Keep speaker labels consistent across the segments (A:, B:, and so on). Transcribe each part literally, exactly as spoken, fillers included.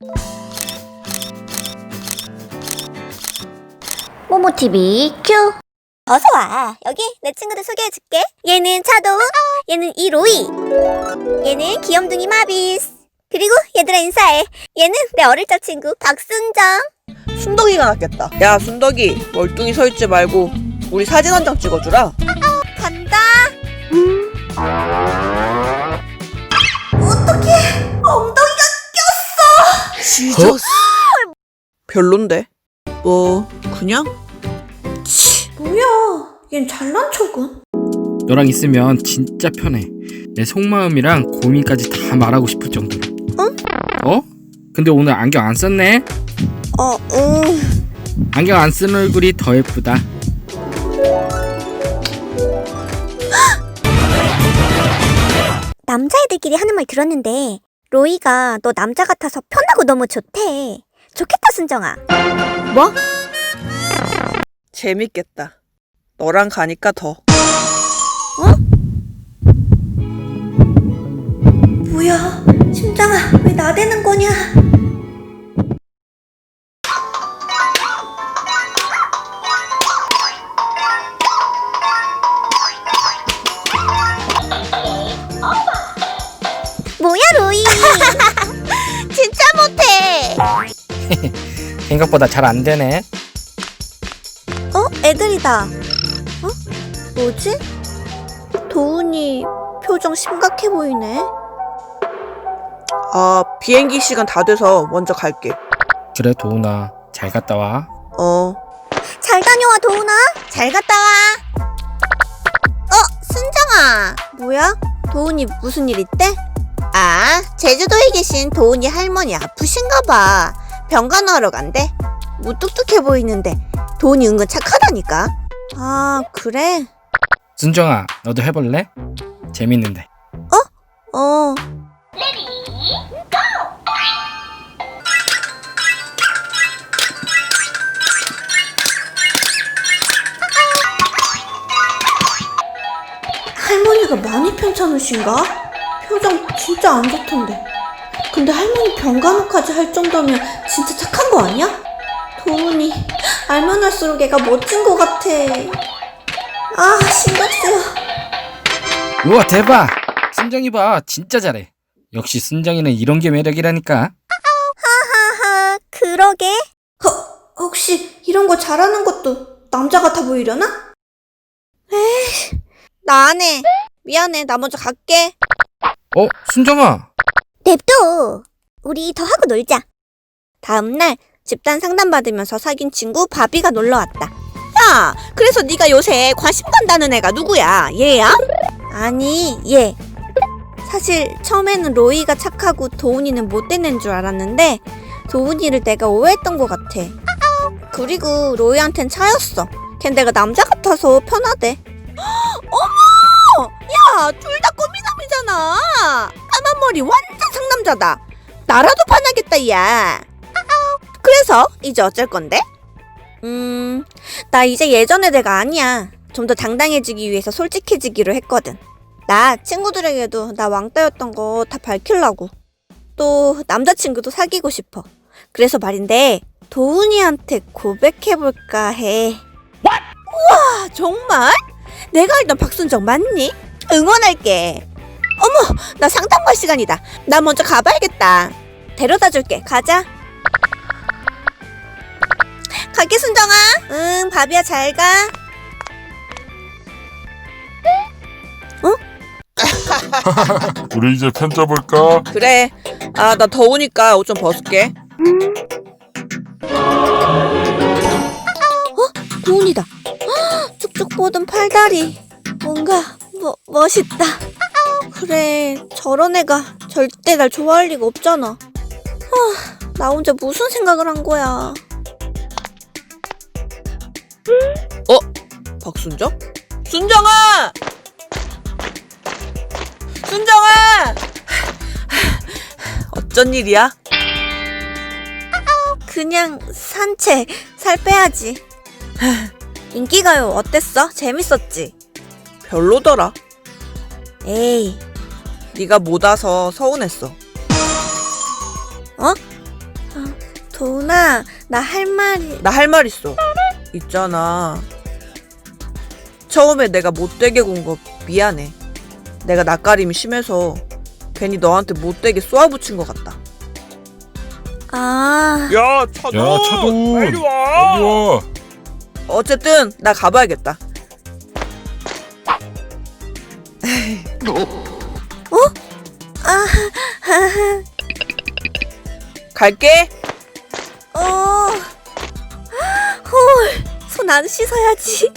A: 모모티비 큐.
B: 어서와. 여기 내 친구들 소개해줄게. 얘는 차도우, 얘는 이로이, 얘는 귀염둥이 마비스. 그리고 얘들아 인사해. 얘는 내 어릴 적 친구 박순정.
C: 순덕이가 낫겠다. 야 순덕이, 멀뚱히 서있지 말고 우리 사진 한 장 찍어주라.
B: 간다. 어떡해, 엉덩이가 꼈어.
C: 지저스. 별론데? 뭐 그냥?
B: 뭐야, 얜 잘난 척은.
D: 너랑 있으면 진짜 편해. 내 속마음이랑 고민까지 다 말하고 싶을 정도로.
B: 응?
D: 어? 근데 오늘 안경 안 썼네?
B: 어, 응.
D: 안경 안 쓴 얼굴이 더 예쁘다.
B: 남자애들끼리 하는 말 들었는데 로이가 너 남자 같아서 편하고 너무 좋대. 좋겠다 순정아.
A: 뭐?
C: 재밌겠다. 너랑 가니까 더.
B: 뭐야, 심장아 왜 나대는 거냐. 뭐야 로이. 진짜 못해.
D: 생각보다 잘 안 되네.
B: 어? 애들이다. 어? 뭐지? 도훈이 표정 심각해 보이네.
C: 아 비행기 시간 다 돼서 먼저 갈게.
D: 그래 도훈아, 잘 갔다 와.
C: 어.
B: 잘 다녀와 도훈아. 잘 갔다 와. 어? 순정아. 뭐야? 도훈이 무슨 일 있대? 아, 제주도에 계신 도훈이 할머니 아프신가 봐. 병간호하러 간대. 무뚝뚝해 보이는데 도훈이 은근 착하다니까. 아, 그래?
D: 순정아, 너도 해볼래? 재밌는데.
B: 어. 할머니가 많이 편찮으신가? 표정 진짜 안 좋던데. 근데 할머니 병간호까지 할 정도면 진짜 착한 거 아니야? 도훈이 알면 할수록 애가 멋진 거 같아. 아, 신경 쓰여.
D: 우와 대박! 순정이 봐, 진짜 잘해. 역시 순정이는 이런 게 매력이라니까.
B: 하하, 그러게. 허, 혹시 이런 거 잘하는 것도 남자 같아 보이려나? 에이, 나 안 해. 미안해, 나 먼저 갈게.
D: 어? 순정아!
B: 냅둬. 우리 더 하고 놀자. 다음날 집단 상담 받으면서 사귄 친구 바비가 놀러 왔다. 야, 그래서 네가 요새 관심 간다는 애가 누구야? 얘야? 아니, 얘. 사실 처음에는 로이가 착하고 도훈이는 못된 애인 줄 알았는데 도훈이를 내가 오해했던 것 같아. 그리고 로이한텐 차였어. 걘 내가 남자 같아서 편하대. 어머! 야, 둘 다 꼬미남이잖아. 까만 머리 완전 상남자다. 나라도 반하겠다, 야. 그래서 이제 어쩔 건데? 음, 나 이제 예전의 내가 아니야. 좀 더 당당해지기 위해서 솔직해지기로 했거든. 나 친구들에게도 나 왕따였던 거 다 밝히려고. 또 남자친구도 사귀고 싶어. 그래서 말인데 도훈이한테 고백해볼까 해. 우와, 정말? 내가 알던 박순정 맞니? 응원할게. 어머, 나 상담 갈 시간이다. 나 먼저 가봐야겠다. 데려다 줄게. 가자. 갈게 순정아. 응, 바비야 잘 가.
E: 우리 이제 펜 접을까?
C: 그래. 아 나 더우니까 옷 좀 벗을게.
B: 도훈이다. 쭉쭉 뻗은 팔다리. 뭔가 뭐, 멋있다. 그래, 저런 애가 절대 날 좋아할 리가 없잖아. 아, 나 혼자 무슨 생각을 한 거야.
C: 어? 박순정? 순정아! 순정아! 어쩐 일이야?
B: 그냥 산책, 살 빼야지. 인기가요 어땠어? 재밌었지?
C: 별로더라.
B: 에이,
C: 네가 못 와서 서운했어.
B: 어? 도훈아, 나 할 말이...
C: 나 할 말 있어. 있잖아. 처음에 내가 못되게 군 거 미안해. 내가 낯가림이 심해서 괜히 너한테 못되게 쏘아붙인 것 같다.
B: 아...
E: 야, 차돈!
D: 야, 차돈!
E: 빨리 와! 빨리 와!
C: 어쨌든 나 가봐야겠다.
B: 아...
C: 갈게.
B: 어... 헐... 손 안 씻어야지.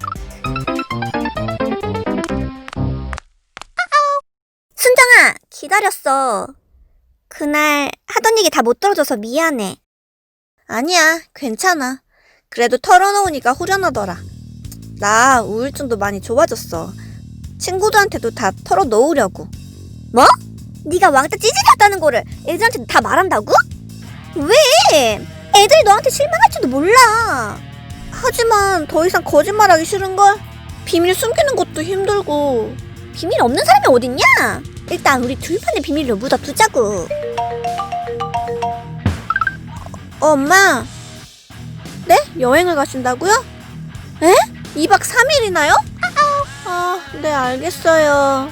B: 순정아, 기다렸어. 그날 하던 얘기 다 못 들어줘서 미안해. 아니야, 괜찮아. 그래도 털어놓으니까 후련하더라. 나 우울증도 많이 좋아졌어. 친구들한테도 다 털어놓으려고. 뭐? 네가 왕따 찌질했다는 거를 애들한테 다 말한다고? 왜? 애들이 너한테 실망할지도 몰라. 하지만 더 이상 거짓말하기 싫은걸? 비밀 숨기는 것도 힘들고. 비밀 없는 사람이 어딨냐? 일단 우리 둘만의 비밀로 묻어두자고. 어, 엄마. 네? 여행을 가신다고요? 에? 이 박 삼 일이나요? 아, 네, 알겠어요.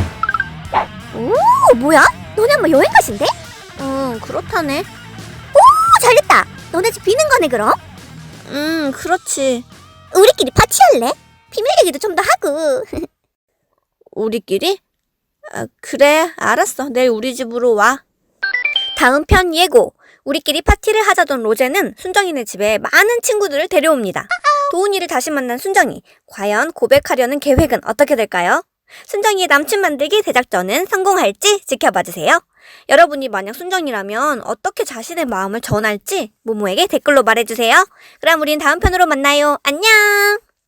B: 오, 뭐야? 너네 엄마 여행 가신대? 응, 그렇다네. 오, 잘됐다. 너네 집 비는 거네, 그럼? 음, 그렇지. 우리끼리 파티할래? 비밀 얘기도 좀 더 하고. 우리끼리? 아, 그래, 알았어. 내일 우리 집으로 와. 다음 편 예고. 우리끼리 파티를 하자던 로제는 순정이네 집에 많은 친구들을 데려옵니다. 도훈이를 다시 만난 순정이. 과연 고백하려는 계획은 어떻게 될까요? 순정이의 남친 만들기 대작전은 성공할지 지켜봐주세요. 여러분이 만약 순정이라면 어떻게 자신의 마음을 전할지 모모에게 댓글로 말해주세요. 그럼 우린 다음 편으로 만나요. 안녕!